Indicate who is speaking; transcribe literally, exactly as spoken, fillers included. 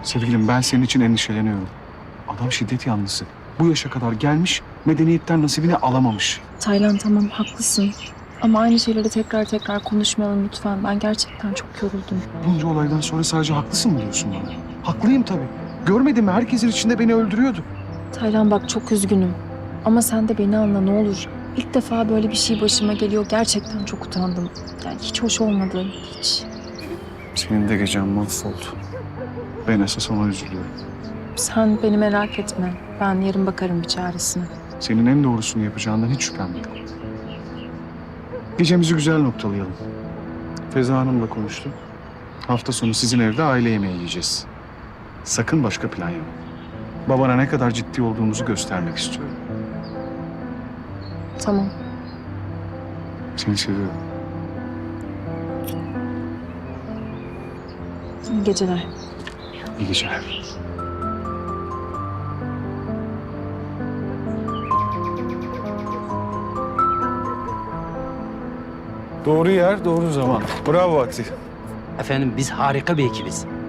Speaker 1: Sevgilim, ben senin için endişeleniyorum. Adam şiddet yanlısı. Bu yaşa kadar gelmiş, medeniyetten nasibini alamamış.
Speaker 2: Taylan tamam haklısın. Ama aynı şeyleri tekrar tekrar konuşmayalım lütfen. Ben gerçekten çok yoruldum.
Speaker 1: Bunca olaydan sonra sadece haklısın mı diyorsun bana? Haklıyım tabii. Görmedin mi? Herkesin içinde beni öldürüyordu.
Speaker 2: Taylan bak çok üzgünüm. Ama sen de beni anla ne olur. İlk defa böyle bir şey başıma geliyor. Gerçekten çok utandım. Yani hiç hoş olmadı. Hiç.
Speaker 1: Senin de gecen mahvoldu. Ben esas ona üzülüyorum.
Speaker 2: Sen beni merak etme. Ben yarın bakarım bir çaresine.
Speaker 1: Senin en doğrusunu yapacağından hiç şüphem yok. Gecemizi güzel noktalayalım. Feza Hanım'la konuştum. Hafta sonu sizin evde aile yemeği yiyeceğiz. Sakın başka plan yapma. Babana ne kadar ciddi olduğumuzu göstermek istiyorum.
Speaker 2: Tamam.
Speaker 1: Seni seviyorum.
Speaker 2: İyi geceler.
Speaker 1: İyi geceler. Doğru yer, doğru zaman. Bravo Vakti.
Speaker 3: Efendim biz harika bir ekibiz.